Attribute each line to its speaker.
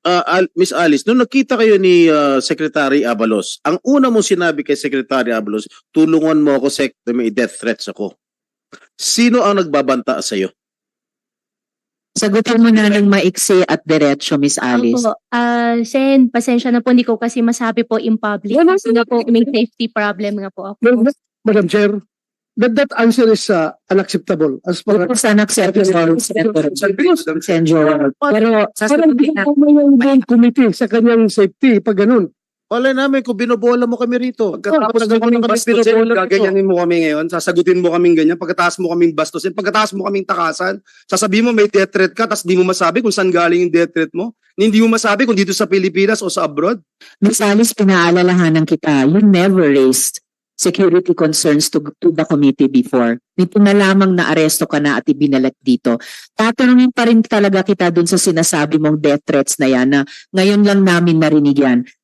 Speaker 1: Miss Alice, nung nakita kayo ni Secretary Abalos, ang una mong sinabi kay Secretary Abalos, tulungan mo ako, Sec, may death threats ako. Sino ang nagbabanta sa iyo?
Speaker 2: Sagutin mo na ng maiksi at diretso, Miss Alice.
Speaker 3: Opo. Sen, pasensya na po, hindi ko kasi masabi po in public. Kasi nga po, may safety problem nga po ako.
Speaker 4: Madam Chair, that answer is unacceptable as far as...
Speaker 2: It's unacceptable, Senjor. Pero
Speaker 4: Parang
Speaker 2: sasagutin na.
Speaker 4: yung committee sa kanyang safety pag ganun.
Speaker 1: Wala namin kung binobola mo kami rito.
Speaker 5: Pagkatapos mo kaming bastusin, gaganyanin mo kami ngayon, sasagutin mo kaming ganyan, pagkatapos mo kaming bastusin, pagkatapos mo kaming takasan, sasabihin mo may death threat ka, tapos di mo masabi kung saan galing yung death threat mo, hindi mo masabi kung dito sa Pilipinas o sa abroad.
Speaker 2: Miss Alice, pinaalalahanan kita, you never raised security concerns to the committee before. Nito na lamang na aresto ka na at ibinalat dito. Tatanungin pa rin talaga kita dun sa sinasabi mong death threats na yan na ngayon lang namin narinig yan.